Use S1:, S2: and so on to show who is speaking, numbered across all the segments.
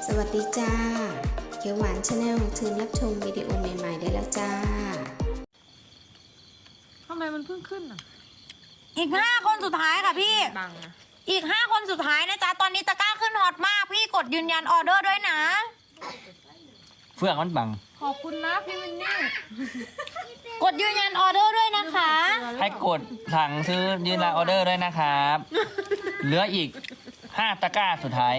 S1: สวัสดีจ้าเขียวหวานชาแนลเชิญรับชมวิดีโอใหม่ๆได้แล้วจ้า
S2: ทำไมมันเพิ่งขึ้นอ่ะ
S3: อีก5 คนสุดท้ายค่ะพี่
S2: บังนะ
S3: อีก5 คนสุดท้ายนะจ๊ะตอนนี้ตะกร้าขึ้นฮอตมากพี่กดยืนยันออเดอร์ด้วยนะ
S4: เฟื่องมันบัง
S2: ขอบคุณนะพี่วินนี่
S3: กดยืนยันออเดอร์ด้วยนะคะ
S4: ให้กดสั่งซื้อยืนรายออเดอร์ด้วยนะครับเหลืออีก5ตะกร้าสุดท้าย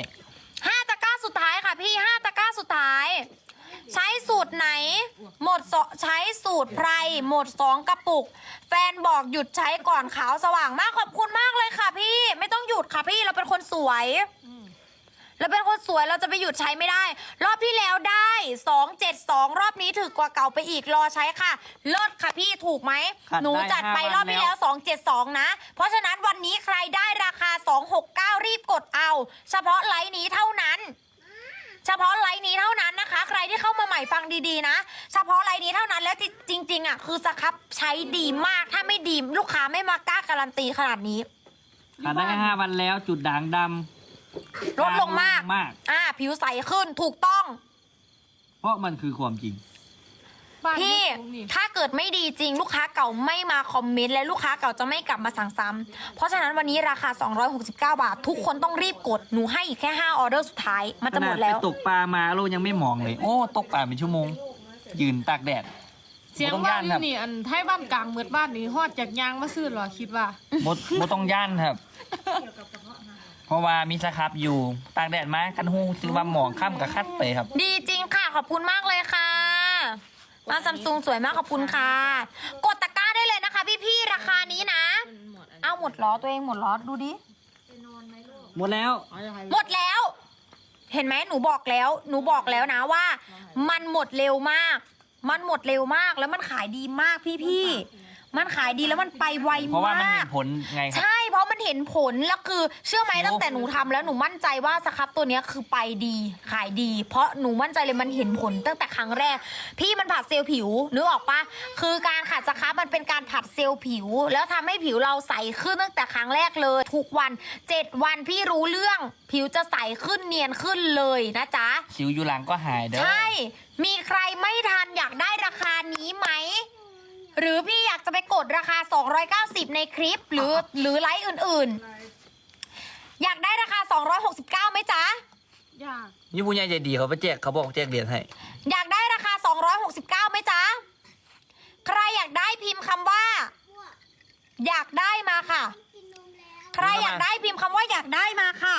S3: 5 ตะกร้าสุดท้ายค่ะพี่5 ตะกร้าสุดท้ายใช้สูตรไหนหมดใช้สูตรไพรหมด2 กระปุกแฟนบอกหยุดใช้ก่อนขาวสว่างมากขอบคุณมากเลยค่ะพี่ไม่ต้องหยุดค่ะพี่เราเป็นคนสวยเราเป็นคนสวยเราจะไปหยุดใช้ไม่ได้รอบที่แล้วได้272รอบนี้ถือกว่าเก่าไปอีกรอใช้ค่ะลดค่ะพี่ถูกไหมหนูจัดไปรอบที่แล้ว272นะเพราะฉะนั้นวันนี้ใครได้ราคา269รีบกดเอาเฉพาะไลน์นี้เท่านั้นเฉพาะไลน์นี้เท่านั้นนะคะใครที่เข้ามาใหม่ฟังดีๆนะเฉพาะไลน์นี้เท่านั้นแล้วจริงๆอ่ะคือสครับใช้ดีมากถ้าไม่ดีลูกค้าไม่มากล้าการันตีขนาดนี้
S4: ขาดได้แค่5 วันแล้วจุดด่างดำ
S3: ลดลงมากผิวใสขึ้นถูกต้อง
S4: เพราะมันคือความจริง
S3: พี่ถ้าเกิดไม่ดีจริงลูกค้าเก่าไม่มาคอมเมนต์และลูกค้าเก่าจะไม่กลับมาสั่งซ้ำเพราะฉะนั้นวันนี้ราคา269 บาททุกคนต้องรีบกดหนูให้อีกแค่5 ออเดอร์สุดท้ายมันจะหมดแล้ว
S4: ตกปลามาโลยังไม่มองเลยโอ้ตกปลาเป็นชั่วโมงยืนตากแดด
S2: เสียงว่านี่อันไทยบ้านกลางเมือบ้านนี่ฮอดจากยางมาซื้อหรอคิดว่า
S4: หมดต้องย่านครับเพราะว่ามีสครับอยู่ตากแดดมากันหูซื้อว่าหมองค่ำกับคัดไปครับ
S3: ดีจริงค่ะขอบคุณมากเลยค่ะมาซัมซุงสวยมากขอบคุณค่ะกดตะกร้าได้เลยนะคะพี่ๆราคานี้นะเอาหมดล้อตัวเองหมดล้อดูดิ
S4: หมดแล้ว
S3: หมดแล้วเห็นไหมหนูบอกแล้วนะว่ามันหมดเร็วมากมันหมดเร็วมากแล้วมันขายดีมากพี่มันขายดีแล้วมันไปไวมาก
S4: เพราะว่ามันเห็นผลไงครับ
S3: ใช่เพราะมันเห็นผลแล้วคือเชื่อไหมตั้งแต่หนูทำแล้วหนูมั่นใจว่าสครับตัวนี้คือไปดีขายดีเพราะหนูมั่นใจเลยมันเห็นผลตั้งแต่ครั้งแรกพี่มันผัดเซลล์ผิวนึกออกปะคือการขัดสครับมันเป็นการผัดเซลล์ผิวแล้วทำให้ผิวเราใสขึ้นตั้งแต่ครั้งแรกเลยทุกวัน7 วันพี่รู้เรื่องผิวจะใสขึ้นเนียนขึ้นเลยนะจ๊ะ
S4: สิวอยู่หลังก็หายเด้อ
S3: ใช่มีใครไม่ทันอยากได้ราคานี้ไหมหรือพี่อยากจะไปกดราคา290ในคลิปหรือไลฟ์อื่นๆอยากได้ราคา269ไหมจ๊ะ
S2: อยาก
S4: ยี่ปุ้ยใจดีเขาไปแจกเขาบอกแจกเหรียญให้
S3: อยากได้ราคา269ไหมจ๊ะใครอยากได้พิมพ์คำว่าอยากได้มาค่ะใครอยากได้พิมพ์คำว่าอยากได้มาค่ะ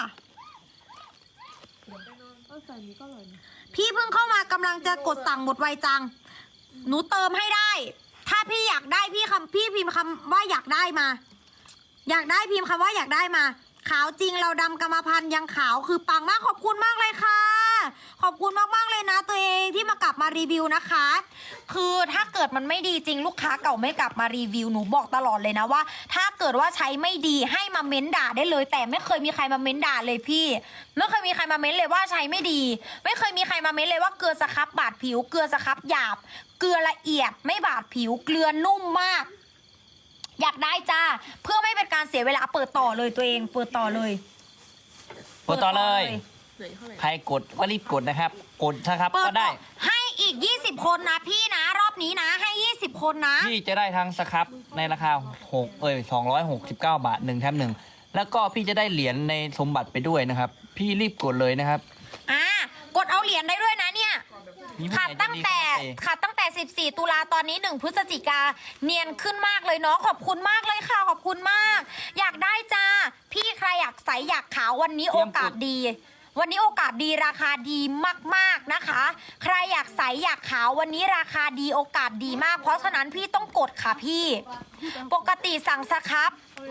S3: พี่เพิ่งเข้ามากำลังจะกดสั่งหมดไวจังหนูเติมให้ได้ถ้าพี่อยากได้พี่พิมพ์คำว่าอยากได้มาอยากได้พิมพ์คำว่าอยากได้มาขาวจริงเราดำกรรมพันธุ์ยังขาวคือปังมากขอบคุณมากเลยค่ะขอบคุณมากๆเลยนะตัวเองที่มากลับมารีวิวนะคะคือถ้าเกิดมันไม่ดีจริงลูกค้าเก่าไม่กลับมารีวิวหนูบอกตลอดเลยนะว่าถ้าเกิดว่าใช้ไม่ดีให้มาเม้นด่าได้เลยแต่ไม่เคยมีใครมาเม้นด่าเลยพี่ไม่เคยมีใครมาเม้นเลยว่าใช้ไม่ดีไม่เคยมีใครมาเม้นเลยว่าเกลือสครับบาดผิวเกลือสครับหยาบเกลือละเอียดไม่บาดผิวเกลือนุ่มมากอยากได้จ้าเพื่อไม่เป็นการเสียเวลาเปิดต่อเลยตัวเองเปิดต่อเลย
S4: ใครกดก็รีบกดนะครับกดนะครับก็ได้
S3: ให้อีก20 คนนะพี่นะรอบนี้นะให้20 คนนะ
S4: พี่จะได้ทั้งสครับในราคา269 บาท1 แถม 1แล้วก็พี่จะได้เหรียญในสมบัติไปด้วยนะครับพี่รีบกดเลยนะครับ
S3: กดเอาเหรียญได้ด้วยนะเนี่ยขาดตั้งแต่14 ตุลาตอนนี้1 พฤศจิกาเนียนขึ้นมากเลยเนาะขอบคุณมากเลยค่ะขอบคุณมากอยากได้จ้าพี่ใครอยากใสอยากขาววันนี้โอกาสดีวันนี้โอกาสดีราคาดีมากๆนะคะใครอยากใสอยากขาววันนี้ราคาดีโอกาสดีมากเพราะฉะนั้นพี่ต้องกดค่ะพี่ปกติสั่งสครับ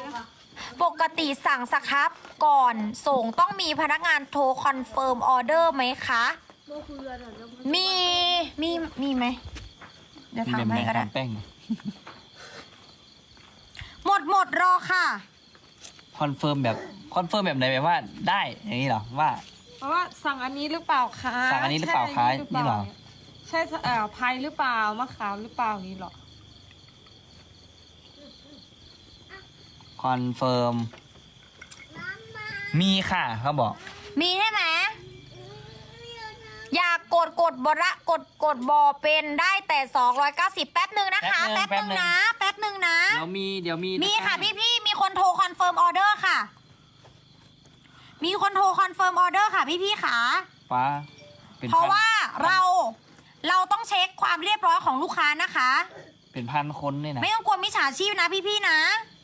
S3: ก่อนส่งต้องมีพนักงานโทรคอนเฟิร์มออเดอร์ไหมคะมีไหมเดี๋ยวถามให้ก็ได้หมดรอค่ะ
S4: คอนเฟิร์มแบบไหนแบบว่าได้อย่างนี้เหรอว่า
S2: เพราะว่าสั่งอันนี้หรือเปล่าคะ
S4: สั่งอันนี้หรือเปล่าคะนี่เหรอ
S2: ใช่พายหรือเปล่ามะขามหรือเปล่านี่หรอ
S4: คอนเฟิร์มมีค่ะเขาบอก
S3: มีใช่ไหมกดบระกดบอเป็นได้แต่290แป๊บหนึ่งนะคะแป๊บหนึ่งนะเดี๋ยวมีค่ะพี่มีคนโทรคอนเฟิร์มออเดอร์ค่ะมีคนโทรคอนเฟิร์มออเดอร์ค่ะพี่ค่ะ
S4: ฟ้า
S3: เพราะว่าเราต้องเช็คความเรียบร้อยของลูกค้านะคะ
S4: เป็นพันคนเนี่ยนะ
S3: ไม่ต้องกลัวมิจฉาชีพนะพี่นะ